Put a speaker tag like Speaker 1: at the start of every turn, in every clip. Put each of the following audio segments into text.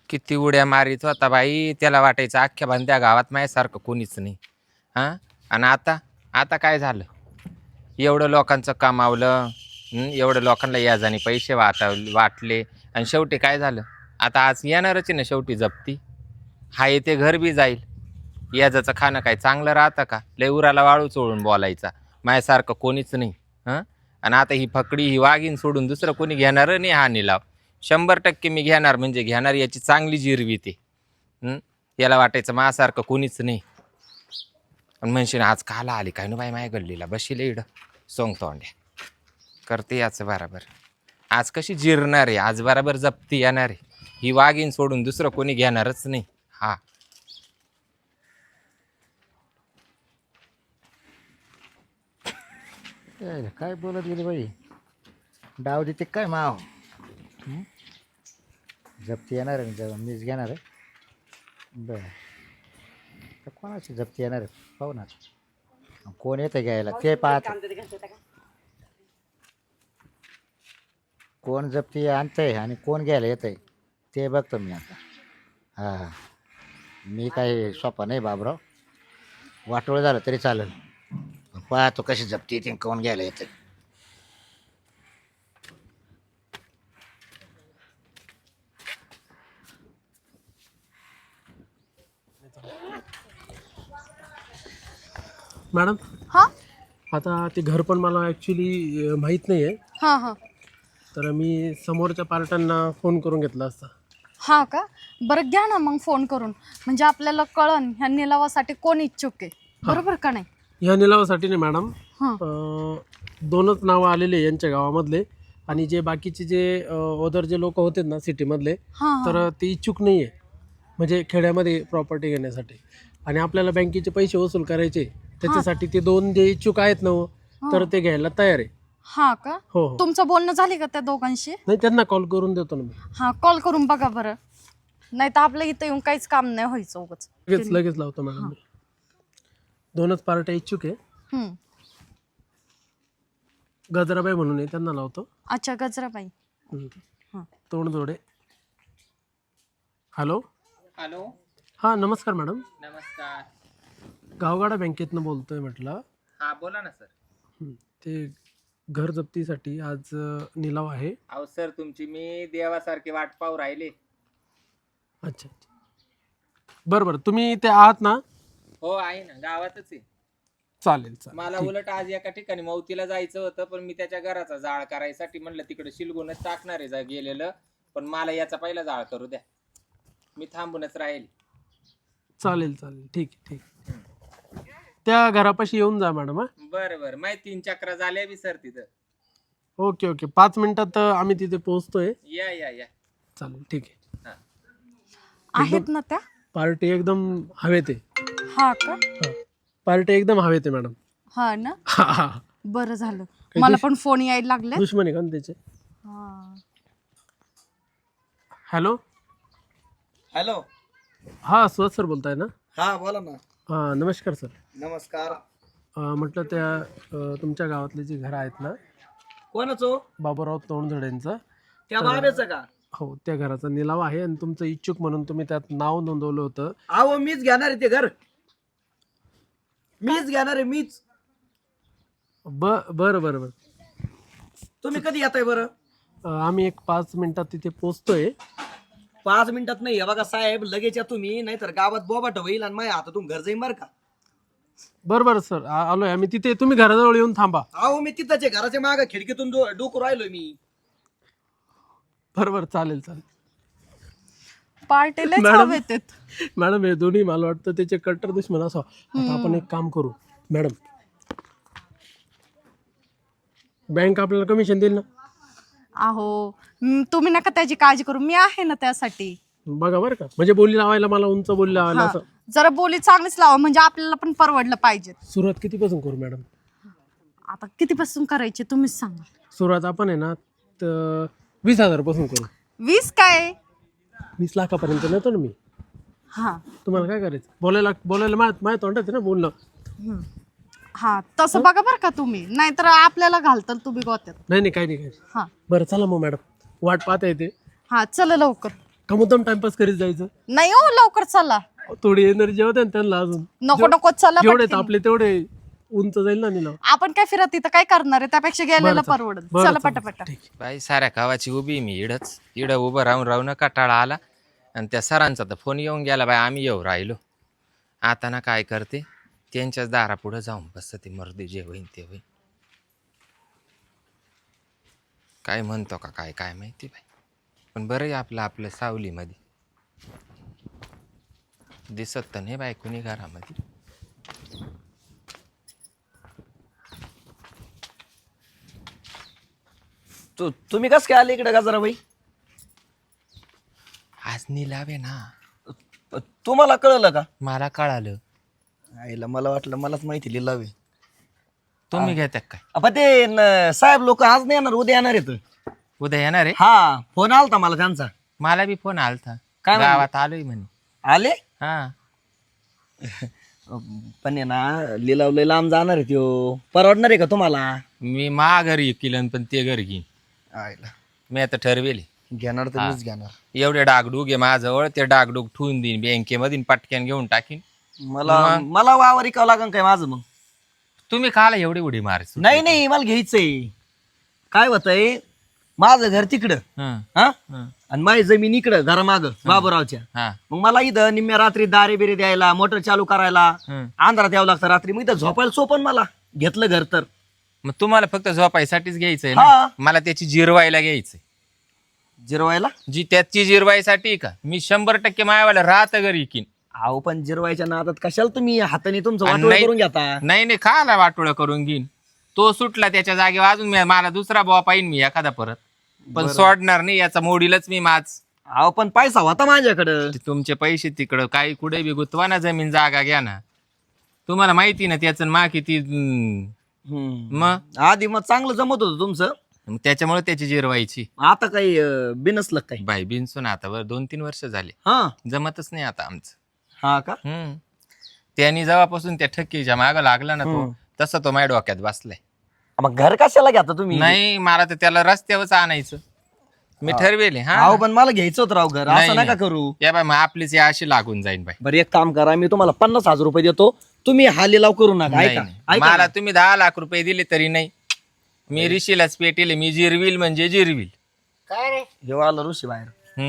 Speaker 1: किती उड्या मारीत होता बाई, त्याला वाटायचं अख्ख्या बंद्या गावात माझ्यासारखं कोणीच नाही. हां. आणि आता आता काय झालं? एवढं लोकांचं कमावलं, एवढं लोकांना याजाने पैसे वाटले आणि शेवटी काय झालं? आता आज येणारच आहे ना शेवटी जप्ती. हाय ते घर बी जाईल. याजाचं खाणं काय चांगलं राहतं का? लय उराला वाळू चोळून बोलायचा. माझ्यासारखं कोणीच नाही. हं. आणि आता ही फकडी ही वाघीण सोडून दुसरं कोणी घेणार नाही हा निलाव. 100% मी घेणार म्हणजे घेणार, याची चांगली जिरवी ते. याला वाटायचं माझ्यासारखं कोणीच नाही. आणि म्हणशील आज काला आली काय ना बाई माझ्या गल्लीला बशील इडं सोंगतो अंड्या करते याचं बराबर. आज कशी जिरणार आहे, आज बराबर जप्ती येणार आहे. ही वाघीण सोडून दुसरं कोणी घेणारच नाही. हा.
Speaker 2: काय बोलत गेली बाई. डाव देते काय माव. जप्ती येणार आहे ना, मीच घेणार आहे. बरं, तर कोणाची जप्ती येणार आहे पाहू ना. कोण येतं घ्यायला ते पाहत. कोण जप्ती आणतंय आणि कोण घ्यायला येत आहे ते बघतो मी आता. हां, मी काही सोपा नाही बाबराव. वाटोळ झालं तरी चालेल. पाहतो कशी जप्ती येते कोण घ्यायला येतं.
Speaker 3: मॅडम,
Speaker 4: हा
Speaker 3: आता ते घर पण मला ॲक्च्युली माहीत नाही आहे.
Speaker 4: हा हा
Speaker 3: तर मी समोरच्या पार्ट्यांना फोन करून घेतला असता.
Speaker 4: हा का? बरं घ्या ना मग फोन करून, म्हणजे आपल्याला कळन ह्या निलावासाठी कोण इच्छुक आहे. बरोबर का नाही?
Speaker 3: ह्या निलावासाठी नाही मॅडम,
Speaker 4: हां
Speaker 3: 2च नावं आलेले यांच्या गावामधले. आणि जे बाकीचे जे ओदर जे लोक होते ना सिटीमधले,
Speaker 4: हां
Speaker 3: तर ते इच्छुक नाही आहे म्हणजे खेड्यामध्ये प्रॉपर्टी घेण्यासाठी. आणि आपल्याला बँकेचे पैसे वसूल करायचे, त्याच्यासाठी ते 2 जे इच्छुक आहेत ना, तर ते घ्यायला तयार आहे.
Speaker 4: हा का?
Speaker 3: हो हो.
Speaker 4: तुमचं बोलणं झाले का त्या दोघांशी?
Speaker 3: नाही, त्यांना कॉल करून देतो ना मी.
Speaker 4: हा, कॉल करून बघा बरं, नाही तर आपल्या इथं येऊन काहीच काम नाही व्हायचं उगाच.
Speaker 3: लगेच लावतो मॅडम मी. 2च पार्ट्या इच्छुक आहे.
Speaker 4: हम्म.
Speaker 3: गजराबाई म्हणून आहे, त्यांना लावतो.
Speaker 4: अच्छा, गजराबाई. हां
Speaker 3: तोंडजोडे. हॅलो.
Speaker 1: हॅलो.
Speaker 3: हां, नमस्कार मॅडम.
Speaker 1: नमस्कार.
Speaker 3: गावगाडा बँकेतनं बोलतोय म्हटलं.
Speaker 1: हा बोला ना सर.
Speaker 3: ते घर जप्तीसाठी आज निलाव आहे.
Speaker 1: अहो सर, तुमची मी देवासारखी वाट पाहू राहिले.
Speaker 3: अच्छा अच्छा, बरं तुम्ही ते आहात ना?
Speaker 1: हो आहे ना, गावातच आहे.
Speaker 3: चालेल
Speaker 1: मला
Speaker 3: ठीक.
Speaker 1: उलट आज एका ठिकाणी मौतीला जायचं होतं, पण मी त्याच्या घराचा जाळ करायसाठी म्हणलं तिकडे शिलगूनच टाकणार आहे गेलेलं, पण मला याचा पहिला जाळ करू द्या, मी थांबूनच राहील.
Speaker 3: चालेल ठीक आहे. त्या घरापाशी येऊन जा मॅडम. हां,
Speaker 1: बरं बरं, माहिती 3 चक्रा झाल्या बी सर तिथं.
Speaker 3: ओके 5 मिनिटात आम्ही तिथे पोहोचतोय.
Speaker 1: या.
Speaker 3: चालेल ठीक आहे.
Speaker 4: आहेत ना त्या?
Speaker 3: पार्टी एकदम हवेत आहे.
Speaker 4: हा का?
Speaker 3: हां, पार्टी एकदम हवेत आहे मॅडम.
Speaker 4: हा ना,
Speaker 3: हा.
Speaker 4: बरं झालं. मला पण फोन यायला लागले.
Speaker 3: दुश्मन आहे का त्याचे?
Speaker 4: हा.
Speaker 3: हॅलो.
Speaker 5: हॅलो.
Speaker 3: हां, सुहास सर बोलताय ना?
Speaker 5: हा बोला ना.
Speaker 3: हां, नमस्कार सर.
Speaker 5: नमस्कार.
Speaker 3: म्हटलं त्या तुमच्या गावातले जे घर आहेत ना,
Speaker 5: कोणाचं?
Speaker 3: बाबूराव तोंडझडेंचं.
Speaker 5: त्या बाबेचं का?
Speaker 3: हो, त्या घराचा निलाव आहे आणि तुमचं इच्छुक म्हणून तुम्ही त्यात नाव नोंदवलं होतं.
Speaker 5: अहो मीच घेणार आहे ते घर, मीच घेणार आहे मीच.
Speaker 3: बरं.
Speaker 5: तुम्ही कधी येताय बरं?
Speaker 3: आम्ही एक 5 मिनिटात तिथे पोहोचतोय.
Speaker 5: 5 मिनिटात नाही. हे बघा साहेब, लगेच या तुम्ही, नाहीतर गावात बोबाट होईल आणि माझ्या हातातून घर जाईन बरं का.
Speaker 3: बरं सर, आलोय आम्ही तिथे. तुम्ही घराजवळ येऊन थांबा.
Speaker 5: अहो मी तिथंच आहे, घराच्या मागं खिडकीतून डोकू राहिलोय मी.
Speaker 3: बरं चालेल.
Speaker 4: पार्टीला
Speaker 3: मॅडम.
Speaker 4: हवेत आहेत.
Speaker 3: मॅडम, हे दोन्ही मला वाटतं त्याचे कट्टर दुश्मन असावं. आता आपण एक काम करू मॅडम, बँक आपल्याला कमिशन देईल ना?
Speaker 4: अहो तुम्ही नका त्याची काळजी करू, मी आहे ना त्यासाठी.
Speaker 3: बघा बरं का, म्हणजे बोली लावायला मला उंच बोली लावायला
Speaker 4: हा,
Speaker 3: असं.
Speaker 4: जरा बोली चांगलीच लावा, म्हणजे आपल्याला पण परवडलं पाहिजे.
Speaker 3: सुरुवात कितीपासून करू मॅडम?
Speaker 4: आता कितीपासून करायचे तुम्हीच सांगा.
Speaker 3: सुरुवात आपण आहे ना 20,000 पासून करू.
Speaker 4: 20 काय?
Speaker 3: 20 लाखापर्यंत नेतो ना मी.
Speaker 4: हा
Speaker 3: तुम्हाला काय करायचं? बोलायला माझ्या तोंडात आहे ना बोलणं.
Speaker 4: हा, तसं बघा बरं का तुम्ही, नाहीतर आपल्याला घालताल तुम्ही गोत्यात.
Speaker 3: नाही काही नाही.
Speaker 4: हा
Speaker 3: बरं चला मग मॅडम, वाट पाहता येते.
Speaker 4: हा, चला लवकर.
Speaker 3: का मुद्दाम टाइमपास करीत जायचं?
Speaker 4: नाही हो, लवकर चला.
Speaker 3: थोडी एनर्जी होते ना त्यांना अजून.
Speaker 4: नको नको, चला
Speaker 3: जेवढे
Speaker 4: पटकन.
Speaker 3: आपले तेवढे उंच जाईल ना निलाव.
Speaker 4: आपण काय फिरत तिथं काय करणार आहे, त्यापेक्षा गेलेलं परवडत.
Speaker 3: बरं,
Speaker 4: चला
Speaker 3: चला.
Speaker 4: पटापट.
Speaker 3: ठीक.
Speaker 1: बाई साऱ्या गावाची उभी मी इडं उभं राहून कटाळा आला. आणि त्या सरांचा तर फोन येऊन गेला, बाई आम्ही येऊ राहिलो. आता ना काय करते, त्यांच्याच दारापुढं जाऊन बसतं ते मर्दी, जे होईन ते होईन. काय म्हणतो का काय काय माहिती बाई. पण बरं आहे आपलं सावलीमध्ये दिसत तर नाही बाई कुणी घरामध्ये.
Speaker 5: तुम्ही कस काय आले इकडे गजराबाई?
Speaker 1: आज निलावे ना.
Speaker 5: तुम्हाला कळलं का?
Speaker 1: मला कळालं.
Speaker 5: आईला मला वाटलं मलाच माहिती लिहिलावे.
Speaker 1: तुम्ही घेतात काय?
Speaker 5: आपण ते साहेब लोक आज नाही येणार, उद्या येणार आहेत.
Speaker 1: उद्या येणार आहे?
Speaker 5: हा, फोन आलता मला त्यांचा.
Speaker 1: मला बी फोन आलता,
Speaker 5: काय म्हणले?
Speaker 1: गावात आलोय म्हणे.
Speaker 5: आले
Speaker 1: हा.
Speaker 5: पण आहे ना, लिलाव लय लांब जाणार आहे त्यो. परवडणार आहे का तुम्हाला?
Speaker 1: मी मा घरी किलन पण ते घर घेईन.
Speaker 5: आईला
Speaker 1: मी आता ठरवेले.
Speaker 5: घेणार तर मीच घेणार.
Speaker 1: एवढे डागडूग आहे माझ्याजवळ, ते डागडूग ठेवून देईन बँकेमध्ये, पटक्यान घेऊन टाकीन.
Speaker 5: मला वावर इकावं लागेल काय माझं मग?
Speaker 1: तुम्ही खाला एवढी उडी मार.
Speaker 5: नाही नाही, मला घ्यायचंय. काय होतंय, माझं घर तिकडं हा, आणि माझी जमीन इकडं घरामाग बाबूरावच्या.
Speaker 1: हा.
Speaker 5: मग मला इथं निम्म्या रात्री दारे बिरे द्यायला, मोटर चालू करायला अंधारात यावं लागतं रात्री. मग इथं झोपायला सोपन मला, घेतलं घर तर.
Speaker 1: मग तुम्हाला फक्त झोपायसाठीच घ्यायचंय ना?
Speaker 5: हा.
Speaker 1: मला त्याची जिरवायला घ्यायचंय.
Speaker 5: जिरवायला?
Speaker 1: जी त्याची जिरवायसाठी का मी 100% मायावाला राहत घरी इकीन.
Speaker 5: अहो पण जिरवायच्या नादात कशाला तुम्ही हाताने तुमचं
Speaker 1: आणि
Speaker 5: वाटोळं
Speaker 1: नाही-
Speaker 5: करून घेता?
Speaker 1: नाही खाला वाटोळं करून घेईन. तो सुटला त्याच्या जागेवर अजून मला दुसरा बॉ पाहिन मी एखादा परत. पण सोडणार नाही, याचा मोडीलच मी माझ.
Speaker 5: अहो पण पैसा होता माझ्याकडं.
Speaker 1: तुमचे पैसे तिकडं काही कुठे बी गुतवा ना, जमीन जागा घ्या ना. तुम्हाला माहिती ना त्याचं मा किती. मग
Speaker 5: आधी मग चांगलं जमत होतं तुमचं,
Speaker 1: त्याच्यामुळे त्याची जिरवायची.
Speaker 5: आता काही बिनसलं काही?
Speaker 1: बाई बिनसून आता 2-3 वर्ष झाले,
Speaker 5: हा
Speaker 1: जमतच नाही आता आमचं.
Speaker 5: हा का?
Speaker 1: त्यांनी जेव्हापासून त्या ठक्कीच्या माग लागला ना तो, तसं तो माझ्या डोक्यात बसलाय.
Speaker 5: मग घर कशाला घेता तुम्ही?
Speaker 1: नाही, मला तर त्याला रस्त्यावरच आणायचं मी ठरवेले. हा.
Speaker 5: अहो पण मला घ्यायचं होतं राव घर,
Speaker 1: नाही,
Speaker 5: असं नका
Speaker 1: नाही.
Speaker 5: करू.
Speaker 1: या बाय, मग आपलीच या अशी लागून जाईन बाई.
Speaker 5: बरं एक काम करा, मी तुम्हाला 50,000 रुपये देतो, तुम्ही हा लिलाव करू नका.
Speaker 1: नाही,
Speaker 5: ऐका
Speaker 1: नाही.
Speaker 5: ऐका
Speaker 1: मला
Speaker 5: ना.
Speaker 1: तुम्ही 10 लाख रुपये दिले तरी नाही. मी ऋषीलाच पेटेले, मी जिरविल म्हणजे जिरविल.
Speaker 2: काय रे?
Speaker 5: जेव्हा आलं ऋषी बाहेर.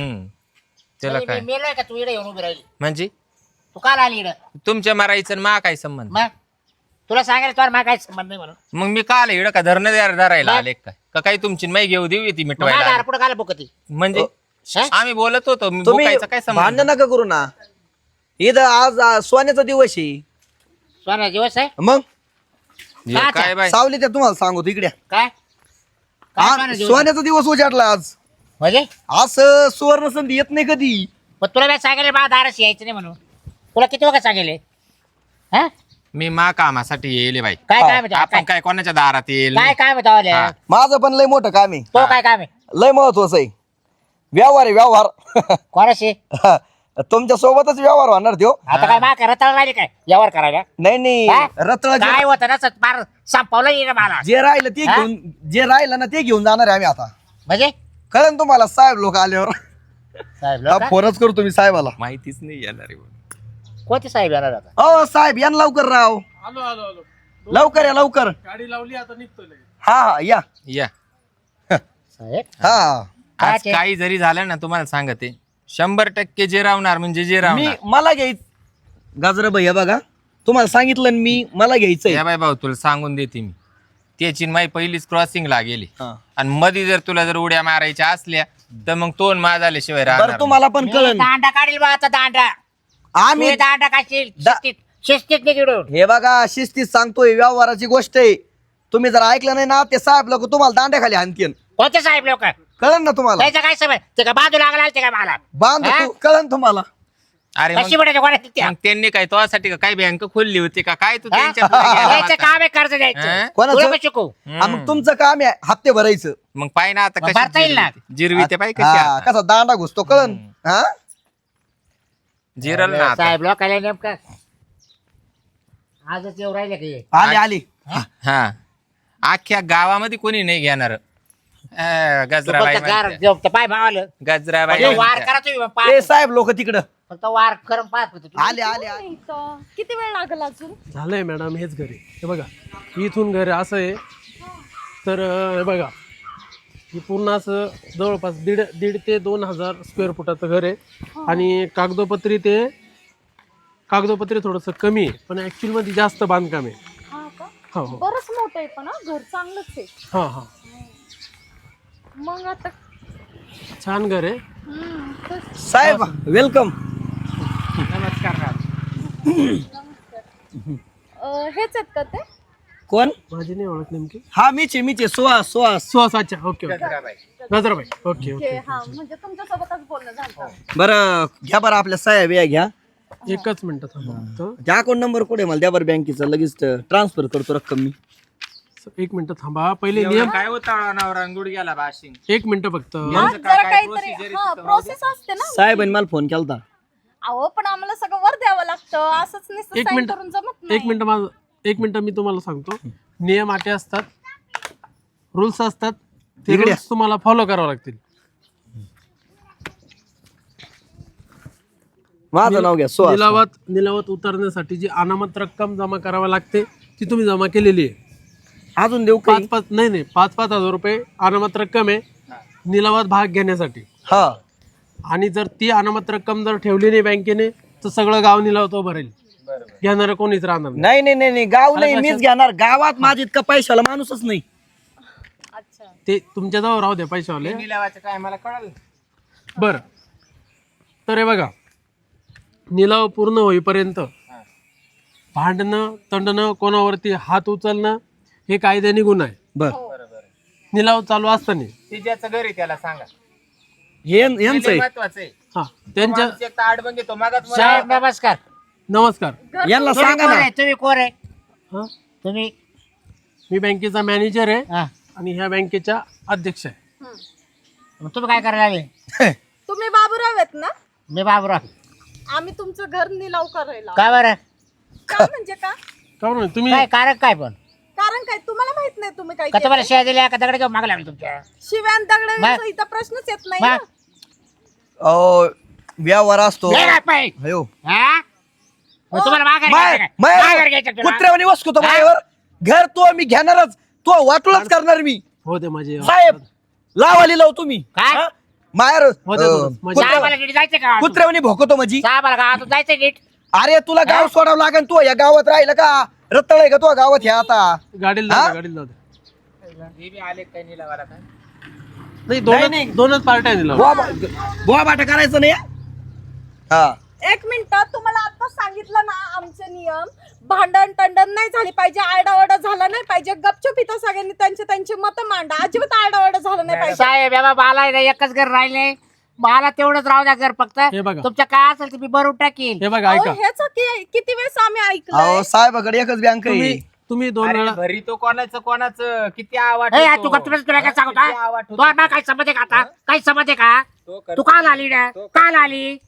Speaker 1: त्याला काय
Speaker 2: मेलोय का तू इकडे येऊन उभी राहिली?
Speaker 1: म्हणजे
Speaker 2: तू काल आली इकडं?
Speaker 1: तुमच्या मारायचं आणि मा काय संबंध?
Speaker 2: मग तुला सांगायला तुला मला काय संबंध नाही म्हणून.
Speaker 1: मग मी काल इकडं का धरायला आले काय का काही तुमची माई घेऊ देऊ ती मिटवायला आले?
Speaker 2: पुढे काल बुकती
Speaker 1: म्हणजे
Speaker 2: हा?
Speaker 1: आम्ही बोलत होतो,
Speaker 5: तुम्ही
Speaker 1: बोकायचं काय संबंध?
Speaker 5: भांडण नका करू ना. इथं आज सोन्याचा दिवस आहे.
Speaker 2: सोना दिवस आहे
Speaker 5: मग
Speaker 1: हे काय बाय,
Speaker 5: सावली त्या तुम्हाला सांगतो इकडे.
Speaker 2: काय? काय सोना दिवस?
Speaker 5: सोन्याचा दिवस उजाडला आज.
Speaker 2: म्हणजे
Speaker 5: असं सुवर्ण संधी येत नाही कधी.
Speaker 2: पण तुला काय सांगेल मला दाराशी यायचं नाही म्हणून? तुला किती वखत सांगेल? हा?
Speaker 1: मी मा कामासाठी येईल बाई.
Speaker 2: काय काम आहे?
Speaker 1: आपण काय कोणाच्या दारात येईल?
Speaker 2: काय काम आहे?
Speaker 1: हा.
Speaker 5: माझं पण लय मोठं काम आहे,
Speaker 2: तो काय काम आहे?
Speaker 5: लय महत्वाचं आहे. व्यवहार आहे व्यवहार.
Speaker 2: कोणाशी?
Speaker 5: तुमच्या सोबतच व्यवहार होणार त्यो.
Speaker 2: आता काय मा रताळ राहिली काय व्यवहार करायला?
Speaker 5: नाही नाही,
Speaker 2: हा?
Speaker 5: रत्न
Speaker 2: काय होतं ना बार संपवलं येईल मला.
Speaker 5: जे राहिलं ते
Speaker 2: हा?
Speaker 5: घेऊन, जे राहिलं ना ते घेऊन जाणार आहे आम्ही आता.
Speaker 2: म्हणजे
Speaker 5: कळन तुम्हाला साहेब लोक आल्यावर.
Speaker 2: साहेब लोकं?
Speaker 5: फोनच करू तुम्ही साहेबाला.
Speaker 1: माहितीच नाही येणार आहे.
Speaker 2: कोणते साहेब येणार आता?
Speaker 5: हो साहेब या ना लवकर राव,
Speaker 3: आलो आलो आलो.
Speaker 5: लवकर या लवकर.
Speaker 3: गाडी लावली आता निघतोय लगेच.
Speaker 5: हा हा या.
Speaker 1: या
Speaker 2: साहेब
Speaker 5: हा
Speaker 1: आज
Speaker 2: काय
Speaker 1: काही जरी झालं ना, तुम्हाला सांगते 100% जे रावणार म्हणजे जे
Speaker 5: मी
Speaker 1: रावणार.
Speaker 5: मला घ्यायचं गाजरा भैया बघा, तुम्हाला सांगितलं ना मी, मला घ्यायचंय.
Speaker 1: या बाई भाऊ, तुला सांगून देते मी, त्याची माई पहिलीच क्रॉसिंगला गेली
Speaker 5: हा.
Speaker 1: आणि मध्ये जर तुला जर उड्या मारायच्या असल्या तर मग तोन मा झाल्याशिवाय राहणार
Speaker 5: बरं तुम्हाला पण
Speaker 2: मी
Speaker 5: कळन.
Speaker 2: दांडा काढील बा आता दांडा.
Speaker 5: आम्ही
Speaker 2: तू दांडा काढशील
Speaker 5: दा-
Speaker 2: शिस्तीत निघडून.
Speaker 5: हे बघा शिस्तीत सांगतोय, व्यवहाराची गोष्ट आहे. तुम्ही जर ऐकलं नाही ना, ते साहेब लोक तुम्हाला दांड्याखाली आणतील.
Speaker 2: कोणते साहेब लोक?
Speaker 5: कळन ना तुम्हाला.
Speaker 2: त्याचं काय समय? ते का बाजू लागला ते का मला?
Speaker 5: बांध
Speaker 2: हा?
Speaker 5: कळन तुम्हाला.
Speaker 1: अरे
Speaker 2: कशी
Speaker 1: मग
Speaker 2: म्हणायचं कोणाची त्या?
Speaker 1: मग त्यांनी काय तुझ्यासाठी का काय बँक खोलली होती का काय तू
Speaker 2: हा?
Speaker 1: त्यांच्या पुढे गेला
Speaker 2: द्यायचं
Speaker 1: होता?
Speaker 2: काम आहे कर्ज
Speaker 1: हा?
Speaker 2: द्यायचं.
Speaker 5: कोणाचं?
Speaker 2: तुला पण शिकू.
Speaker 5: हा, मग तुमचं काम आहे हप्ते भरायचं.
Speaker 1: मग पाय ना आता
Speaker 2: मग
Speaker 1: कशी
Speaker 2: भरता येईल ना?
Speaker 1: जिरवी ते पाय कशी
Speaker 5: हा,
Speaker 1: आता.
Speaker 5: कसा दांडा घुसतो कळन. हा
Speaker 1: जिरल ना आता.
Speaker 2: साहेब लोकांना नेमकं आजच येऊ राहिले की
Speaker 5: आली आली.
Speaker 1: हा, अख्ख्या गावामध्ये कोणी नाही घेणार. गजराबाई म्हणते.
Speaker 2: पाय भावालं
Speaker 1: गजराबाई
Speaker 2: वार
Speaker 1: म्हणते.
Speaker 2: करा तुम्ही
Speaker 5: ए
Speaker 2: पाय
Speaker 5: साहेब लोक तिकडं
Speaker 2: फक्त वार करून पाय फक्त तुम्ही.
Speaker 5: आले आले आले.
Speaker 4: इथं किती वेळ लागेल अजून?
Speaker 3: झालंय मॅडम हेच घरी हे बघा इथून घर असं आहे तर हे बघा ही पूर्ण असं जवळपास दीड ते 2,000 स्क्वेअर फुटाचं घर आहे आणि कागदोपत्री थोडंसं कमी आहे पण ॲक्च्युअलमध्ये जास्त बांधकाम आहे.
Speaker 4: हा का?
Speaker 3: हो हो
Speaker 4: बरंच मोठं आहे पण घर चांगलंच आहे.
Speaker 3: हां हां
Speaker 4: मग आता
Speaker 3: छान घर आहे.
Speaker 5: साहेब वेलकम.
Speaker 1: नमस्कार राव.
Speaker 4: हेच आहेत का ते?
Speaker 5: कोण?
Speaker 3: माझी नाही ओळख नेमकी
Speaker 5: हा मीच सुहास सुहास.
Speaker 3: सुहासाच्या okay okay
Speaker 1: Gajrabai.
Speaker 3: Gajrabai okay okay
Speaker 4: हे, हा म्हणजे तुमच्यासोबतच बोलणं झालं.
Speaker 5: बरं घ्या बरं आपल्या साहेब या घ्या.
Speaker 3: एकच मिनिट थांबा फक्त.
Speaker 5: त्या अकाउंट नंबर कुठे मला द्या बरं बँकेचा लगेच ट्रान्सफर करतो रक्कम मी.
Speaker 3: एक मिनिट थांबा पहिले
Speaker 1: एवढं
Speaker 3: नियम
Speaker 1: काय होता नवरा गुडघ्याला बाशिंग.
Speaker 3: एक मिनिट फक्त
Speaker 4: हा, जरा काहीतरी प्रोसेस असते ना.
Speaker 5: साहेबांनी मला फोन केलता.
Speaker 4: अहो पण आम्हाला सगळं वर द्यावं लागतं असंच नुसतं
Speaker 3: एक
Speaker 4: sign
Speaker 3: मिनिट
Speaker 4: करून जमत नाही.
Speaker 3: एक मिनिट मी तुम्हाला सांगतो नियम अटे असतात रूल्स असतात ते
Speaker 5: इकडे
Speaker 3: rules तुम्हाला फॉलो करावं लागतील.
Speaker 5: माझं नाव घ्या सुहास.
Speaker 3: निलावात उतरण्यासाठी जी अनामत रक्कम जमा करावी लागते ती तुम्ही जमा केलेली आहे.
Speaker 5: अजून देऊ का?
Speaker 3: 5,000 रुपये अनामत रक्कम आहे निलावात भाग घेण्यासाठी.
Speaker 5: हा
Speaker 3: आणि जर ती अनामत रक्कम जर ठेवली नाही बँकेने तर सगळं गाव निलाव तो भरेल. घेणार कोणीच राहणार नाही.
Speaker 5: नाही नाही नाही नाही गाव नाही मीच घेणार. गावात माझी इतका पैशाला माणूसच नाही.
Speaker 4: अच्छा.
Speaker 3: ते तुमच्या जवळ राहू द्या पैशावाले.
Speaker 1: निलावाचं काय मला कळलं.
Speaker 3: बरं तर हे बघा निलाव पूर्ण होईपर्यंत भांडणं तंडणं कोणावरती हात उचलणं हे कायद्याने गुन्हा आहे.
Speaker 5: बर
Speaker 3: निलाव चालू असताना
Speaker 1: ते ज्याचं घर आहे त्याला सांगा.
Speaker 5: हे यांचं आहे.
Speaker 1: महत्वाचं आहे.
Speaker 3: हा त्यांच्या
Speaker 1: माणूस एक तर आडबं घेतो मागात मला-
Speaker 2: साहेब नमस्कार.
Speaker 3: नमस्कार
Speaker 5: यांना
Speaker 2: तुम्ही
Speaker 5: सांगा
Speaker 2: कोण
Speaker 5: ना.
Speaker 2: आहे? तुम्ही कोण आहे?
Speaker 3: हा
Speaker 2: तुम्ही
Speaker 3: मी बँकेचा मॅनेजर आहे
Speaker 2: हा.
Speaker 3: आणि ह्या बँकेच्या अध्यक्ष आहे.
Speaker 2: मग तुम्ही काय करायला आले?
Speaker 4: तुम्ही बाबूराव आहेत ना?
Speaker 2: मी बाबूराव.
Speaker 4: आम्ही तुमचं घर निलाव करायला.
Speaker 2: काय बरं
Speaker 4: का म्हणजे का?
Speaker 3: का बरं तुम्ही
Speaker 2: काय कारण काय पण
Speaker 4: कारण काय तुम्हाला माहित नाही तुम्ही काय
Speaker 2: का तुम्हाला
Speaker 4: केलंय?
Speaker 2: शेअर दिल्या का दगड घेऊन मागला लागले तुमच्या?
Speaker 4: शिव्यान दगडांचा
Speaker 2: मग?
Speaker 4: इथं प्रश्नच येत नाही
Speaker 2: मग?
Speaker 4: ना.
Speaker 5: व्यवहार असतो.
Speaker 2: लय राग पाय.
Speaker 5: अयो
Speaker 2: हा? मग तुम्हाला माघार घ्यायचं काय? माघार घ्यायचं तुला?
Speaker 5: कुत्र्यावानी वसतो माझ्यावर. घर तो मी घेणारच. तो वाटूनच करणार मी.
Speaker 3: हो ते माझे
Speaker 5: साहेब लावाली लाव तुम्ही.
Speaker 2: काय?
Speaker 5: हा? माहेर
Speaker 3: हो दे दोन. माझे-
Speaker 2: साहेबाला नीट जायचं का?
Speaker 5: कुत्र्यावानी भोकतो माझी.
Speaker 2: साहेबाला गावातून जायचं नीट.
Speaker 5: अरे तुला गाव सोडावं लागेल. तू या गावात राहिलं का रत्तळ आहे का तू गावात ह्या आता.
Speaker 3: गाडीला
Speaker 5: हा?
Speaker 3: जाऊ द्या, गाडीला जाऊ द्या.
Speaker 1: हे बी आले काय निलावाला काय.
Speaker 3: नाही
Speaker 5: नाही.
Speaker 3: दोनच पार्ट्या आहे निलाव.
Speaker 5: बोवा बाटा करायचं नाही. हा
Speaker 4: एक मिनिट तुम्हाला आता सांगितलं ना आमचे नियम. भांडण टंडण नाही झाली पाहिजे. आरडाओरडा झाला नाही पाहिजे. गपचूप इथं सगळ्यांनी त्यांचे मत मांडा. अजिबात आरडाओरडा झाला नाही पाहिजे.
Speaker 2: साहेब या मला आहे ना एकच घर राहिले. मला तेवढंच राहू द्या घर फक्त.
Speaker 3: हे बघा.
Speaker 2: तुमच्या काय असेल ते मी भरून टाकीन.
Speaker 3: हे बघा
Speaker 4: अहो,
Speaker 3: ऐका
Speaker 4: हेच किती वेळेस आम्ही ऐकलं.
Speaker 5: अहो साहेबाकडे एकच बँक आहे.
Speaker 3: तुम्ही 2
Speaker 1: अरे
Speaker 3: वेळा
Speaker 1: भरी तो कोणाचं किती आवाज
Speaker 2: ए,
Speaker 1: होतो.
Speaker 2: तू का तुला काय सांगू
Speaker 1: किती आवाज होतो.
Speaker 2: तुला काय समज आहे का आता? काय समज आहे का?
Speaker 1: तो करतो.
Speaker 2: तू काल आली ना? काल आली?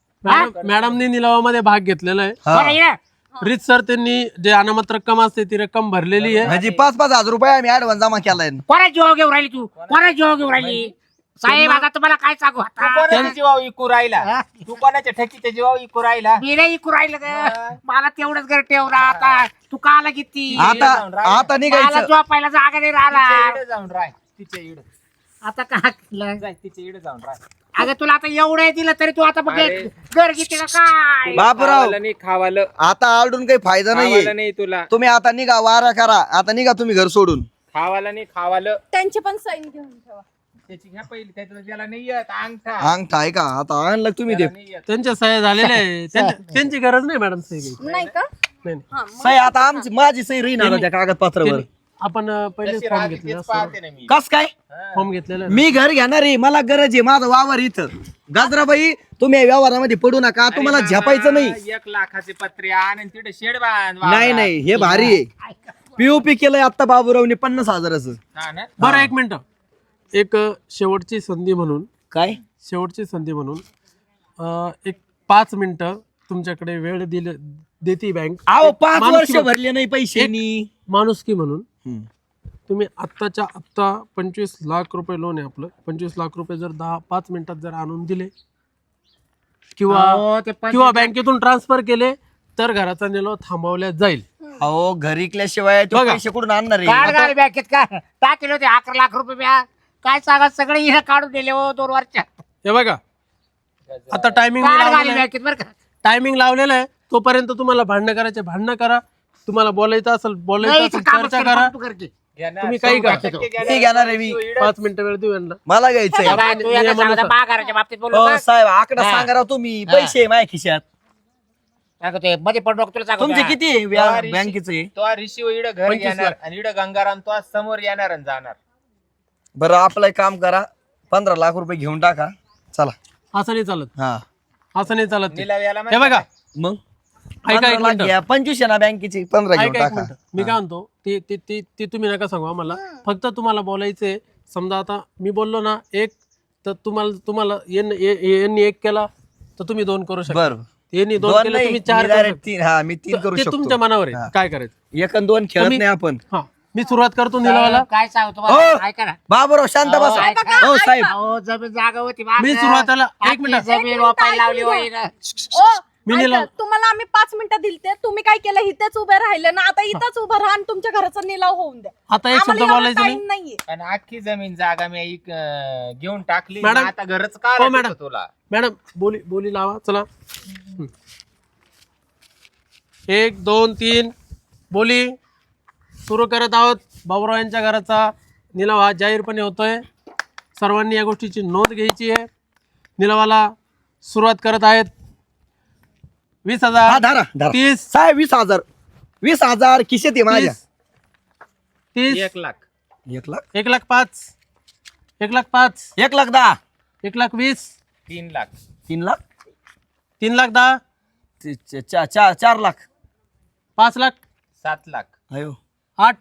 Speaker 3: मॅडमनी निलावामध्ये भाग घेतलेला आहे.
Speaker 5: हा.
Speaker 2: बरं, ये.
Speaker 3: रीत सर त्यांनी जे अनामत रक्कम असते ती रक्कम भरलेली आहे.
Speaker 5: म्हणजे 5-5 हजार रुपये आम्ही ऍडव्हान्स जमा केलाय.
Speaker 2: कोणा जीव घेऊन राहिली तू? कोणा जीव घेऊन राहिली? साहेब आता तुम्हाला काय सांगू
Speaker 1: तू
Speaker 2: आता?
Speaker 1: कोणाच्या जीवावर इकू राहिला.
Speaker 2: हा?
Speaker 1: तू कोणाच्या ठकीच्या जीवावर इकू राहिला.
Speaker 2: मी नाही इकू राहिलं ग. मला तेवढंच घर ठेवला आता. तू काला घेतली?
Speaker 5: आता
Speaker 2: मला
Speaker 5: निघायचं.
Speaker 2: झोपायला जागा नाही
Speaker 1: तिच्या
Speaker 2: राहिला.
Speaker 1: इकडे जाऊन राय. तिच्या इकडे
Speaker 2: आता काय केलं?
Speaker 1: जाय. तिच्या इकडे जाऊन राय.
Speaker 2: अगं तुला आता एवढं दिलं तरी तू आता बघ
Speaker 1: अरे.
Speaker 2: घर घेते का काय?
Speaker 5: बापराव
Speaker 1: खावालं नाही खावालं.
Speaker 5: आता आलडून काही फायदा
Speaker 1: खावालं
Speaker 5: नाहीये.
Speaker 1: नाही तुला.
Speaker 5: तुम्ही आता निघा वारा करा. आता निघा तुम्ही घर सोडून.
Speaker 1: खावालं नाही खावालं.
Speaker 4: त्यांची पण साईन घेऊन ठेवा.
Speaker 1: त्याची घ्या पहिली. त्याला नाही येत अंगठा.
Speaker 5: अंगठा आहे का आता आणलं तुम्ही ते.
Speaker 1: त्याला नाही येत.
Speaker 3: त्यांच्या सह्या झालेल्या आहे. त्यांची गरज नाही मॅडम सही घ्यायची.
Speaker 4: नाही का?
Speaker 3: नाही नाही.
Speaker 4: हा, मग
Speaker 5: सही आता आमची माझी सही राहील त्या कागदपत्रावर.
Speaker 3: त्यांनी- आपण पहिले
Speaker 1: जशी
Speaker 3: फॉर्म
Speaker 1: राहते
Speaker 3: घेतलेला
Speaker 1: तेच पाहते ना मी.
Speaker 5: कस काय
Speaker 3: फॉर्म घेतलेला आहे.
Speaker 5: मी घर घेणार आहे. मला गरज आहे. माझं वावर इथं. गाजराबाई तुम्ही या व्यवहारामध्ये पडू नका. तुम्हाला
Speaker 1: अरे
Speaker 5: झेपायचं नाही.
Speaker 1: बाबा, 1 लाखाचे पत्रे आण आणि तिथे शेड बांध.
Speaker 5: नाही नाही हे भारी आहे. पीओपी केलंय आता बाबूरावने 50,000चं.
Speaker 1: हा ना.
Speaker 3: बरं एक मिनिट एक शेवटची संधी म्हणून
Speaker 5: काय
Speaker 3: एक 5 मिनिटं तुमच्याकडे वेळ देते बँक.
Speaker 5: अहो 5 वर्ष
Speaker 3: माणुसकी-
Speaker 5: भरले नाही पैसे.
Speaker 3: माणुसकी म्हणून तुम्ही आत्ताच्या आत्ता 25 लाख रुपये लोन आहे आपलं. 25 लाख रुपये जर 5 मिनिटात जर आणून दिले किंवा
Speaker 2: अहो, ते
Speaker 3: किंवा बँकेतून ट्रान्सफर केले तर घराचा निलाव थांबवल्या जाईल.
Speaker 5: अहो घरी इकल्याशिवाय ते
Speaker 3: बघा.
Speaker 5: पैसे कुठून आणणार
Speaker 2: काढ
Speaker 5: आहे
Speaker 2: गाडी बँकेत का टाकेल होते 11 लाख रुपये म्या. काय सांगा सगळे हिरे काढून दिले हो 2 वर्षात.
Speaker 3: हे बघा आता टायमिंग
Speaker 2: काढ गाडी बँकेत बरं का.
Speaker 3: टायमिंग लावलेलं आहे. तोपर्यंत तुम्हाला भांडणं करायचे भांडणं करा. तुम्हाला बोलायचं असेल बोलायचं
Speaker 2: नाही,
Speaker 3: असेल
Speaker 2: इथं कामच
Speaker 3: चर्चा
Speaker 2: कर,
Speaker 3: करा.
Speaker 2: तू कर की.
Speaker 3: तुम्ही काही करा.
Speaker 5: मी घेणार आहे मी
Speaker 3: 5 मिनिटं वेळ देऊ यांना.
Speaker 5: मला घ्यायचंय
Speaker 2: बाबा, तू याला सांगता महागाराच्या बाबतीत बोलू
Speaker 5: हो
Speaker 2: नका.
Speaker 5: साहेब आकडा
Speaker 2: हा.
Speaker 5: सांगा राव तुम्ही पैसे आहे माझ्या खिशात.
Speaker 2: सांगतो, मध्ये पडलो तुला सांगतो.
Speaker 5: तुमचे
Speaker 2: हा.
Speaker 5: किती बँकेचे
Speaker 1: तो रिशिव इडं घर
Speaker 3: 25
Speaker 1: घेणार
Speaker 3: लाख.
Speaker 1: आणि इडं गंगाराम तो समोर येणार आणि जाणार.
Speaker 5: बरं आपलं एक काम करा 15 लाख रुपये घेऊन टाका चला.
Speaker 3: असं नाही चालत.
Speaker 5: हा
Speaker 3: असं नाही चालत ते.
Speaker 1: निलाव याला
Speaker 3: हे बघा
Speaker 5: मग
Speaker 3: ऐका
Speaker 5: 15
Speaker 3: एक
Speaker 5: लाख
Speaker 3: मिनिटं.
Speaker 5: घ्या 25 आहे ना बँकेची 15 घेऊन
Speaker 3: ऐका एक
Speaker 5: टाका.
Speaker 3: मिनिटं. मी काय म्हणतो ते ते ते ते तुम्ही नका सांगू आम्हाला. फक्त तुम्हाला बोलायचंय. समजा आता मी बोललो ना एक तर तुम्हाला यांनी एक केला तर तुम्ही 2 करू शकता.
Speaker 5: बरं
Speaker 3: यांनी 2
Speaker 5: दोन
Speaker 3: केले
Speaker 5: नाही,
Speaker 3: तुम्ही
Speaker 5: मी
Speaker 3: 4 करू
Speaker 5: direct
Speaker 3: शकता.
Speaker 5: 3 हा मी 3 करू
Speaker 3: ते
Speaker 5: शकतो.
Speaker 3: तुमच्या मनावर आहे
Speaker 5: हा.
Speaker 3: काय करायचं.
Speaker 5: 1 आणि 2 खेळत
Speaker 3: तुम्ही-
Speaker 5: नाही आपण.
Speaker 3: हा मी सुरुवात करतो निलावाला.
Speaker 2: काय सांगतो
Speaker 5: हो.
Speaker 2: तुम्हाला? ऐका ना.
Speaker 5: बाबूराव शांत
Speaker 2: अहो,
Speaker 5: बसा.
Speaker 2: ऐका
Speaker 5: हो साहेब
Speaker 2: अहो, जमीन जागा होती
Speaker 3: मी
Speaker 2: मागं.
Speaker 3: सुरुवातीला एक
Speaker 2: आपली
Speaker 3: मिनिट
Speaker 2: जमीन वापायला लावली
Speaker 4: ऐकून
Speaker 2: होई
Speaker 4: घ्या.
Speaker 2: ना.
Speaker 4: ओ,
Speaker 3: मी
Speaker 4: ऐका,
Speaker 3: निलाव-
Speaker 4: तुम्हाला आम्ही 5 मिनिटं दिलते. तुम्ही काय केलं इथेच उभे राहिले ना. आता इथंच उभं राहा आणि तुमच्या घराचा निलाव होऊन द्या.
Speaker 3: आता एक शब्द
Speaker 4: आम्हाला एवढा
Speaker 3: बोलायचं नाही.
Speaker 4: time नाहीये.
Speaker 1: आणि अख्खी जमीन जागा मी घेऊन टाकली.
Speaker 3: मॅडम.
Speaker 1: आता घरच
Speaker 3: हो,
Speaker 1: का
Speaker 3: मॅडम.
Speaker 1: तुला
Speaker 3: मॅडम बोली लावा चला. 1 2 3 बोली सुरू करत आहोत. बाबूराव यांच्या घराचा निलाव हा जाहीरपणे होतोय. सर्वांनी या गोष्टीची नोंद घ्यायची आहे. निलावाला सुरुवात करत आहेत. 20,000
Speaker 5: हा धरा धरा
Speaker 3: 30
Speaker 5: साहेब 20,000 खिशात आहे माझ्या.
Speaker 3: 30
Speaker 1: 1 लाख
Speaker 5: 1 लाख
Speaker 3: 1,05,000 1,05,000
Speaker 5: 1 लाख 10
Speaker 3: 1,20,000
Speaker 1: 3 लाख
Speaker 5: 3 लाख
Speaker 3: 3,10,000
Speaker 5: 4 लाख
Speaker 3: 5 लाख
Speaker 1: 7 लाख
Speaker 5: अयो
Speaker 3: 8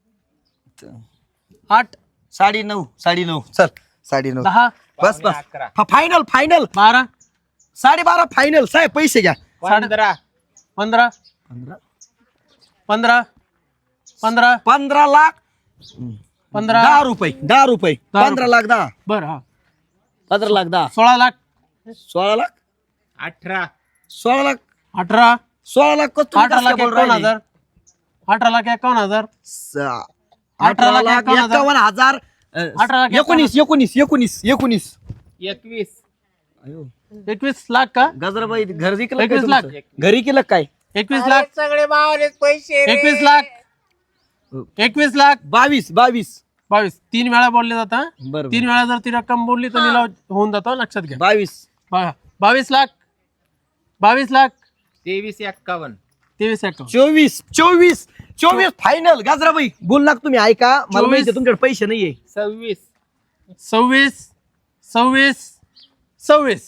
Speaker 5: 9.5 9.5 चल 9.5
Speaker 3: 10
Speaker 5: बस बस
Speaker 1: 11
Speaker 5: फायनल
Speaker 3: 12
Speaker 5: 12.5 फायनल साहेब पैसे घ्या.
Speaker 1: 15
Speaker 3: 15 15 15
Speaker 5: 15 लाख
Speaker 3: 15
Speaker 5: 10 रुपये 15 लाख 10
Speaker 3: बरं हा
Speaker 5: 15 लाख 10
Speaker 3: 16 लाख
Speaker 5: 16 लाख
Speaker 1: 18
Speaker 5: 16 लाख
Speaker 3: 18
Speaker 5: 16 लाख को तुम्ही
Speaker 3: 18
Speaker 5: कसं
Speaker 3: लाख
Speaker 5: बोल राहिले?
Speaker 3: 51,000 18 लाख 51,000
Speaker 5: 18 लाख 51,000
Speaker 3: 18 लाख
Speaker 5: 19
Speaker 1: 21
Speaker 3: 21 लाख का
Speaker 5: गजराबाई घर विकलं
Speaker 3: 21
Speaker 5: काय
Speaker 3: लाख.
Speaker 5: तुमचं? घरी केलं काय
Speaker 3: 21 लाख
Speaker 1: सगळे बावलेच पैसे रे.
Speaker 3: 21 लाख 21 लाख
Speaker 5: 22
Speaker 3: 22 3 वेळा बोलले जातं.
Speaker 5: बरोबर
Speaker 3: 3 वेळा जर ती रक्कम बोलली तर निलाव होऊन जातो. लक्षात घ्या.
Speaker 5: 22
Speaker 3: 22 लाख 22 लाख
Speaker 1: 23 51
Speaker 3: 23 account.
Speaker 5: 24 फायनल गजराबाई बोल लाग तुम्ही ऐका मला
Speaker 3: 24.
Speaker 5: माहिती आहे तुमच्याकडे पैसे नाहीये
Speaker 1: 26
Speaker 3: 26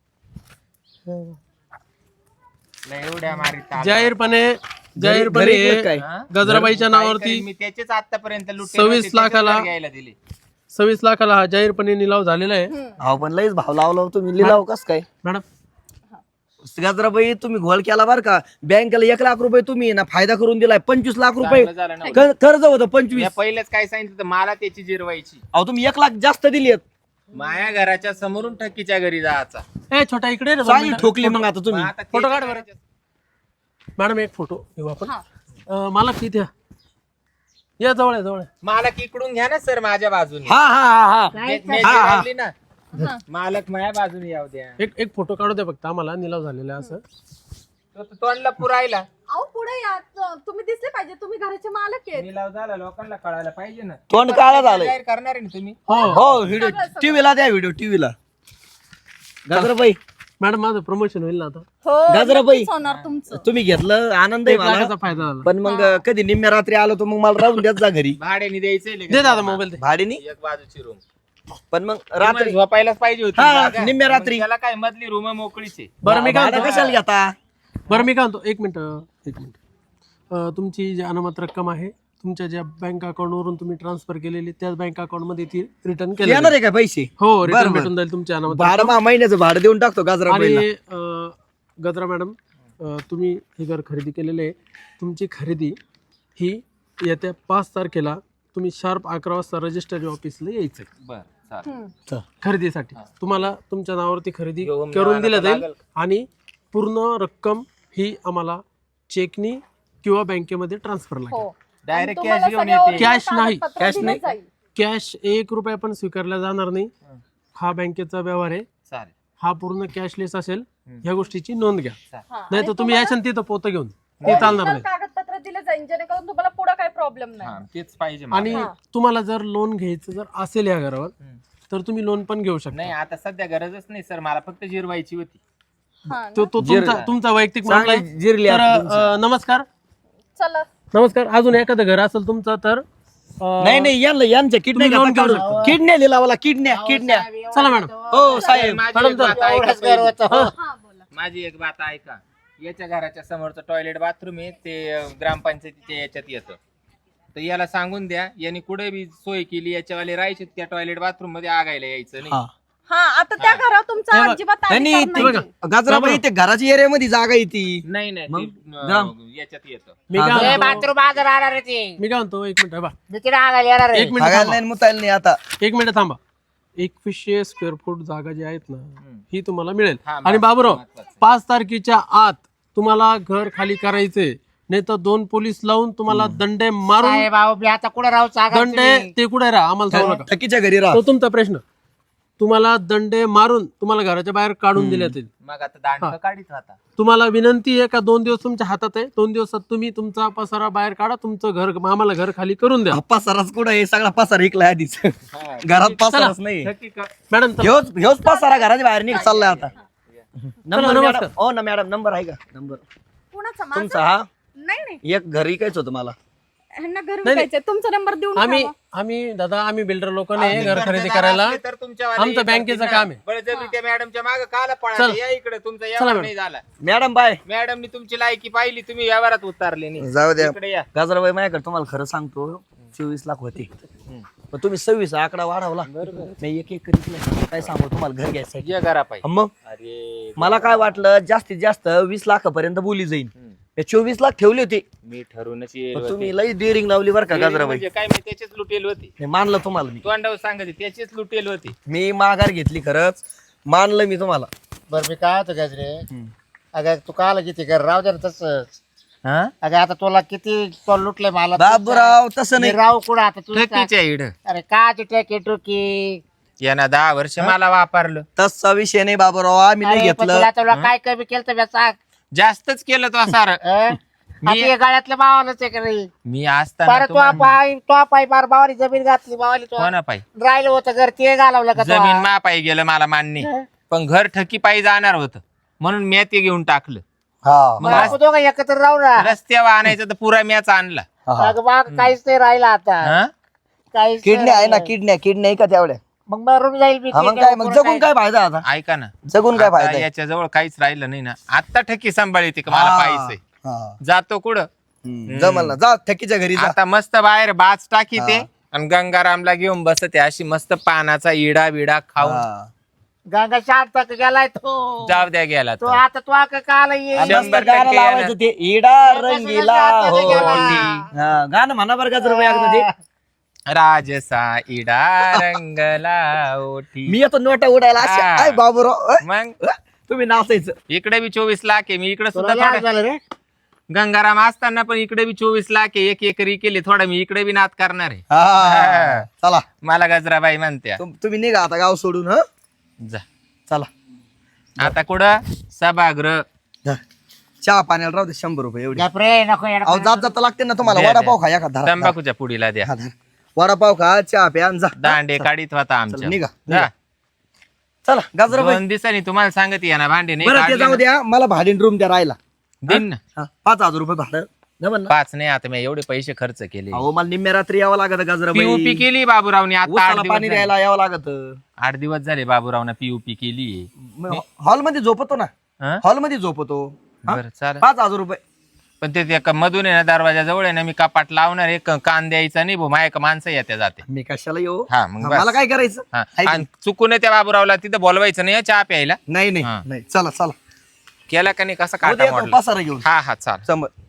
Speaker 1: एवढ्या मारीत आला.
Speaker 3: जाहीरपणे
Speaker 5: घरी इकडं काय?
Speaker 3: गजराबाईच्या
Speaker 1: काय
Speaker 3: नावावरती
Speaker 1: करीन मी त्याचेच आतापर्यंत लुटले
Speaker 3: 26
Speaker 1: नव्हते, त्याचेच
Speaker 3: लाखाला.
Speaker 1: घर घ्यायला दिले.
Speaker 3: 26 लाखाला हा जाहीरपणे निलाव झालेला आहे.
Speaker 5: अहो पण लईच भाव लावला हो तुम्ही लिलाव कस काय
Speaker 3: मॅडम
Speaker 5: गजराबाई तुम्ही घोळ केला बरं का. बँकेला 1 लाख रुपये तुम्ही ना फायदा करून दिलाय 25 लाख रुपये
Speaker 1: चांगलं झालं ना.
Speaker 5: कर्ज होतं 25.
Speaker 1: मी पहिलेच काय सांगितलं होतं, मला त्याची जिरवायची.
Speaker 5: अहो तुम्ही 1 लाख जास्त दिली
Speaker 1: माया घराच्या समोरून ठकीच्या घरी जायचा.
Speaker 3: ए छोटा इकडे रे दोन
Speaker 5: चांगली
Speaker 3: मिनिटं.
Speaker 5: ठोकली मग आता तुम्ही
Speaker 1: मग आता ते
Speaker 3: फोटो काढ बरं.
Speaker 1: करायचं.
Speaker 3: मॅडम एक फोटो घेऊ आपण. मला किती या जवळ आहे.
Speaker 1: मालक इकडून घ्या ना सर माझ्या बाजूने.
Speaker 5: हा हा हा हा
Speaker 1: मी जिरवली ना. मालक माझ्या बाजूने येऊ द्या.
Speaker 3: एक फोटो काढू द्या फक्त आम्हाला निलाव झालेला आहे असं.
Speaker 1: तो तोंडला पुरायला
Speaker 4: अहो पुढे या. तुम्ही दिसले पाहिजे. तुम्ही घराचे मालक आहेत.
Speaker 1: निलाव झाला लोकांना कळायला पाहिजे ना.
Speaker 5: तोंड काळा झालंय.
Speaker 1: जाहीर करणार आहे ना तुम्ही.
Speaker 3: हो
Speaker 5: हो व्हिडिओ टीव्हीला द्या व्हिडिओ टीव्हीला गजराबाई
Speaker 3: मॅडम माझं प्रमोशन होईल ना आता.
Speaker 4: हो
Speaker 5: गजराबाई.
Speaker 4: नक्कीच होणार तुमचं.
Speaker 5: तुम्ही घेतलं आनंद आहे
Speaker 3: 1
Speaker 5: मला
Speaker 3: लाखाचा फायदा झाला.
Speaker 5: पण मग कधी निम्म्या रात्री आलो तर मग मला राहून द्याच जा घरी
Speaker 1: भाड्याने द्यायचंय लगेच.
Speaker 3: दे दादा मोबाईल दे.
Speaker 5: भाडीनी
Speaker 1: एक बाजूची रूम
Speaker 5: पण मग रात्री
Speaker 1: झोपायलाच पाहिजे होती
Speaker 5: हा,
Speaker 1: जागा.
Speaker 5: निम्म्या
Speaker 1: मग
Speaker 5: रात्री.
Speaker 1: त्याला काय मधली रूम मोकळीच आहे.
Speaker 3: बरं मी काय
Speaker 5: भाडं
Speaker 3: म्हणतो
Speaker 5: कशाला घेता
Speaker 3: एक मिनिट तुमची जी अनामत रक्कम आहे तुमच्या ज्या बँक अकाउंटवरून तुम्ही ट्रान्सफर केलेली त्याच बँक अकाउंटमध्ये ती रिटर्न केली
Speaker 5: येणार आहे का पैसे
Speaker 3: हो रिटर्न
Speaker 5: बरं, बरं.
Speaker 3: भेटून जाईल तुमच्या अनामत
Speaker 5: भाडं महिन्याचं भाडं देऊन टाकतो
Speaker 3: आणि
Speaker 5: गजराबाईला
Speaker 3: गजरा मॅडम तुम्ही हे घर खरेदी केलेले आहे. तुमची खरेदी ही येत्या 5 तारखेला तुम्ही शार्प 11 वाजता रजिस्ट्री ऑफिसला यायचं
Speaker 1: बर चालेल.
Speaker 3: खरेदीसाठी. तुम्हाला तुमच्या नावावरती खरेदी
Speaker 1: घेऊन
Speaker 3: करून
Speaker 1: जावं
Speaker 3: दिलं जाईल
Speaker 1: लागेल.
Speaker 3: आणि पूर्ण रक्कम ही आम्हाला चेकनी किंवा बँकेमध्ये ट्रान्सफर लागेल.
Speaker 4: हो
Speaker 1: डायरेक्ट
Speaker 4: आणि
Speaker 1: कॅश
Speaker 4: तुम्हाला
Speaker 1: घेऊन
Speaker 4: सगळ्या
Speaker 1: येते.
Speaker 3: कॅश नाही.
Speaker 4: कागदपत्र
Speaker 5: कॅश
Speaker 4: दिलं
Speaker 5: नाही.
Speaker 4: जाईल.
Speaker 3: कॅश 1 रुपया पण स्वीकारला जाणार नाही. हा बँकेचा व्यवहार आहे.
Speaker 1: चालेल.
Speaker 3: हा पूर्ण कॅशलेस असेल. ह्या गोष्टीची नोंद घ्या.
Speaker 4: हा,
Speaker 3: नाही
Speaker 4: आणि
Speaker 3: तर तुम्ही याच्यात तिथं पोतं घेऊन ते चालणार
Speaker 4: original
Speaker 3: नाही.
Speaker 4: कागदपत्र दिलं जाईल जेणेकरून तुम्हाला पुढे काही प्रॉब्लेम
Speaker 1: हा
Speaker 4: नाही.
Speaker 1: तेच पाहिजे मला.
Speaker 3: आणि तुम्हाला जर लोन घ्यायचं जर असेल या घरावर तर तुम्ही लोन पण घेऊ शकता.
Speaker 1: नाही आता सध्या गरजच नाही सर, मला फक्त जिरवायची होती.
Speaker 4: हा ना?
Speaker 3: तो तुमचा वैयक्तिक मामला आहे.
Speaker 5: चांगली जिरली
Speaker 3: तर
Speaker 5: आता तुमची.
Speaker 3: नमस्कार
Speaker 4: चला
Speaker 3: नमस्कार. अजून एखादं घर असेल तुमचं तर
Speaker 5: नाही नाही यांच्या किडन्या
Speaker 3: तुम्ही लोन
Speaker 5: घेता
Speaker 3: घेऊ
Speaker 5: काढून. किडन्या लिहिला मला किडन्या
Speaker 3: चला मॅडम.
Speaker 5: हो साहेब
Speaker 1: माझी
Speaker 3: मॅडम,
Speaker 1: एक बात ऐका
Speaker 2: एवढंच
Speaker 1: पहिली.
Speaker 2: घर होतं, हो.
Speaker 4: हा बोला.
Speaker 1: माझी एक बात ऐका. याच्या घराच्या समोरचं टॉयलेट बाथरूम आहे ते ग्रामपंचायतीच्या याच्यात येतं. तर याला सांगून द्या, यांनी कुठे बी सोय केली याच्यावाले राहायचे त्या टॉयलेट बाथरूम मध्ये आगायला यायचं नाही.
Speaker 4: हा आता त्या घरावर तुमचा
Speaker 3: हे बघ.
Speaker 4: अजिबात
Speaker 5: नाही
Speaker 4: अधिकार
Speaker 5: ती
Speaker 4: नाही.
Speaker 5: गाजराबाई ते घराच्या एरियामध्ये जागा आहे ती.
Speaker 1: नाही नाही
Speaker 5: मग
Speaker 1: ते,
Speaker 5: ग्राम-
Speaker 1: याच्यात येतं.
Speaker 3: मी काय
Speaker 5: हा,
Speaker 3: म्हणतो-
Speaker 2: बाथरूम आज राहणार आहे ती
Speaker 3: मी काय म्हणतो 1 मिनिट बा
Speaker 2: मी तिला आगायला येणार आहे.
Speaker 3: 1 मिनिट
Speaker 5: हागायला
Speaker 3: थांबा.
Speaker 5: नाही मुतायला नाही आता.
Speaker 3: 1 मिनिट थांबा. 2100 स्क्वेअर फूट जागा जी आहेत ना ही तुम्हाला मिळेल.
Speaker 1: हा,
Speaker 3: आणि बाबूराव
Speaker 1: महत्वाचं.
Speaker 3: 5 तारखेच्या आत तुम्हाला घर खाली करायचे नाही तर 2 पोलीस लावून तुम्हाला दंडे मारून
Speaker 2: साहेब अहो, मी आता कुठे राहू सांगा
Speaker 3: दंडे
Speaker 2: तुम्ही.
Speaker 3: ते कुठे राहा आम्हाला सांगू नका.
Speaker 5: थकीच्या घरी राहा.
Speaker 3: तो तुमचा प्रश्न. तुम्हाला दंडे मारून तुम्हाला घराच्या बाहेर काढून दिले जातील.
Speaker 1: मग आता दांड काढीत राहता.
Speaker 3: तुम्हाला विनंती आहे का 2 दिवस तुमच्या हातात आहे. 2 दिवसात तुम्ही तुमचा पसारा बाहेर काढा. तुमचं घर आम्हाला घर खाली करून द्या.
Speaker 5: हा पसाराच कुठं आहे सगळा पसारा इकला आधीच घरात पसाराच नाही.
Speaker 1: थकी का-
Speaker 3: मॅडम चला.
Speaker 5: ह्योच पसारा घराच्या बाहेर निघ चाललाय आता. नंबर
Speaker 3: नमस्कार.
Speaker 5: मॅडम हो ना मॅडम नंबर आहे का नंबर
Speaker 4: कुणाचा माझा?
Speaker 5: तुमचा हा
Speaker 4: नाही नाही
Speaker 5: एक घर इकायच होतं मला.
Speaker 4: ह्यांना घर विकायचंय. तुमचा नंबर देऊन
Speaker 3: आम्ही
Speaker 4: ठेवा.
Speaker 3: आम्ही दादा आम्ही बिल्डर लोक नाही घर खरेदी करायला.
Speaker 1: असले तर तुमच्यावाले
Speaker 3: आमचं
Speaker 1: येतात
Speaker 3: बँकेचं
Speaker 1: तिथं.
Speaker 3: काम आहे.
Speaker 1: बळजबरी त्या मॅडमच्या मागे काला पळा
Speaker 3: चला.
Speaker 1: या इकडे तुमचा
Speaker 3: चला
Speaker 1: व्यवहार
Speaker 3: मॅडम.
Speaker 1: नाही झाला.
Speaker 5: मॅडम बाय
Speaker 1: मॅडमनी तुमची लायकी पाहिली, तुम्ही व्यवहारात उतारले नाही.
Speaker 5: जाऊ द्या
Speaker 1: इकडे या.
Speaker 5: गाजराबाई माझ्याकडे तुम्हाला खरं सांगतो 24 लाख होते पण तुम्ही 26 आकडा वाढवला. नाही एक एक करीत काय सांगू तुम्हाला घर घ्यायचं
Speaker 1: ये घरा पाहिजे.
Speaker 5: मग
Speaker 1: अरे
Speaker 5: मला काय वाटलं जास्तीत जास्त 20 लाखापर्यंत बोली जाईल. 24 लाख ठेवले होते
Speaker 1: मी ठरूनच येईल
Speaker 5: पण
Speaker 1: होते.
Speaker 5: तुम्ही लई डेअरिंग लावली बरं का गाजराबाई.
Speaker 1: म्हणजे काय मी त्याचीच लुटेल होती.
Speaker 5: नाही मानलं तुम्हाला मी.
Speaker 1: तोंडावर सांगायचे त्याचीच लुटेल होती.
Speaker 5: मी माघार घेतली खरंच मानलं मी तुम्हाला.
Speaker 2: बरं मी काय होतो गजरे अगं तू काल किती घर राहू दे ना तसंच.
Speaker 5: हा?
Speaker 2: अगं आता तुला किती तो लुटले मला
Speaker 5: बाबूराव तसं
Speaker 2: मी
Speaker 5: नाही.
Speaker 2: राहू कुठं आता तू
Speaker 1: ठकीच्या इड
Speaker 2: अरे का टुकी टुकी
Speaker 1: यांना 10 वर्ष मला वापरलं.
Speaker 5: तसा विषय नाही बाबूराव आम्ही नाही
Speaker 2: अरे, पण
Speaker 5: घेतलं.
Speaker 2: तुला काय कमी केलं तर सांग.
Speaker 1: जास्तच केलं तो सार.
Speaker 2: आता हे गाळ्यातल्या भावालाच आहे का नाही
Speaker 1: मी असताना
Speaker 2: परत तो पाय बार भावानी जमीन घातली भावाली तो
Speaker 1: कोणा पायी
Speaker 2: राहिलं होतं घर ते घालवलं का
Speaker 1: जमीन
Speaker 2: तो?
Speaker 1: मा पायी गेलं मला मान्य, पण घर ठकी पायी जाणार होतं म्हणून मी ते घेऊन टाकलं.
Speaker 5: हा
Speaker 2: मग आपण दोघं एकत्र राहू ना.
Speaker 1: रस्त्यावर आणायचं तर पुरा मॅच आणला.
Speaker 2: अगं बा काहीच नाही राहिलं आता
Speaker 1: हा?
Speaker 2: काहीच
Speaker 5: किडनी आहे ना
Speaker 2: नाही.
Speaker 5: किडनी आहे का तेवढ्या.
Speaker 2: मग मरून जाईल मी
Speaker 5: हा मग काय मग जगून काय फायदा आता.
Speaker 1: ऐका ना,
Speaker 5: जगून काय
Speaker 1: आता
Speaker 5: फायदा आहे?
Speaker 1: याच्या जवळ काहीच राहिलं नाही ना. आता ठकी सांभाळते का मला पाहिजे
Speaker 5: हा.
Speaker 1: जातो कुठं.
Speaker 5: जमल ना जा थकीच्या घरी जा.
Speaker 1: आता मस्त बाहेर बाज टाकी ते आणि गंगारामला घेऊन बसते अशी मस्त पानाचा इडा विडा खाऊन.
Speaker 5: हा.
Speaker 2: गंगा शांत गेलाय तो
Speaker 1: जाऊ द्या गेला
Speaker 2: तो
Speaker 1: तर.
Speaker 2: आता तो का काल
Speaker 5: आणि
Speaker 2: येईल
Speaker 5: मस्त
Speaker 1: 100%
Speaker 5: गाणं लावायचं ते इडा रंगीला
Speaker 2: आता
Speaker 5: होती.
Speaker 2: गेला.
Speaker 5: हा, गाणं म्हणा बरं का जर एकदा ते.
Speaker 1: राजसा इडा रंगला ओठी.
Speaker 5: मी येतो नोटा उडायला अशी.
Speaker 1: हा.
Speaker 5: आय बाबूराव
Speaker 1: मग
Speaker 5: तुम्ही नाचायचं.
Speaker 1: इकडे बी 24 लाख आहे. मी इकडे
Speaker 2: तुला
Speaker 1: सुद्धा
Speaker 2: लाज
Speaker 1: थोडा
Speaker 2: झालं रे
Speaker 1: गंगाराम असताना पण इकडे बी 24 लाख आहे. एक एकरी केली थोडा मी इकडे बी नाद करणार आहे.
Speaker 5: हा चला
Speaker 1: मला गजराबाई म्हणत्या
Speaker 5: तुम्ही निघा आता गाव सोडून. ह
Speaker 1: जा.
Speaker 5: चला
Speaker 1: आता कुठं सभागृह.
Speaker 5: जा. चहा पाण्याला राहू दे 100 रुपये एवढे.
Speaker 2: गप रे नको
Speaker 5: अहो जात जाता लागते ना तुम्हाला.
Speaker 1: द्या,
Speaker 5: वडापाव
Speaker 1: द्या.
Speaker 5: खा एखादा धरा.
Speaker 1: तंबाखूच्या पुडीला द्या.
Speaker 5: हा, धरा. वडापाव खा चहा प्या आणि जा.
Speaker 1: दांडे काढीत होता
Speaker 5: चला,
Speaker 1: आमच्या.
Speaker 5: निघा,
Speaker 1: जा.
Speaker 5: निघा. चला गाजराबाई
Speaker 1: 2 दिवसांनी तुम्हाला सांगत या ना भांडे नाही
Speaker 5: बरं ते
Speaker 1: काढले
Speaker 5: जाऊ
Speaker 1: ना.
Speaker 5: द्या मला भाडीन रूम द्या राहायला.
Speaker 1: दिन ना.
Speaker 5: हा, 5,000 रुपये भाडं जमन ना.
Speaker 1: 5 नाही. आता मी एवढे पैसे खर्च केले.
Speaker 5: अहो मला निम्म्या रात्री यावं लागत गाजराबाई.
Speaker 1: पीयूपी केली बाबूरावने आता 8
Speaker 5: उसाला
Speaker 1: दिवस
Speaker 5: पाणी
Speaker 1: झाले.
Speaker 5: द्यायला यावं लागत.
Speaker 1: 8 दिवस झाले बाबूरावने पीयूपी केली.
Speaker 5: हॉल मध्ये झोपतो ना.
Speaker 1: हं?
Speaker 5: हॉल मध्ये झोपतो. हा?
Speaker 1: बरं चालेल.
Speaker 5: 5,000 रुपये.
Speaker 1: पण ते त्या मधून आहे ना दरवाजा जवळ आहे ना मी कपाट लावणार एक कान द्यायचा नाही भाऊ. माझ्या माणसं येत्या जाते.
Speaker 5: मी कशाला येऊ.
Speaker 1: हा, मग
Speaker 5: हा,
Speaker 1: बस.
Speaker 5: मला काय करायचं.
Speaker 1: हा.
Speaker 5: हाय की
Speaker 1: आणि चुकून त्या बाबूरावला तिथं बोलवायचं नाही हं, चहा प्यायला.
Speaker 5: नाही
Speaker 1: हा.
Speaker 5: नाही चला चला
Speaker 1: केला का नाही कसा
Speaker 5: उद्या
Speaker 1: काटा
Speaker 5: येतो
Speaker 1: मोडला.
Speaker 5: पसारा घेऊन
Speaker 1: हा हा चाल.
Speaker 5: समज.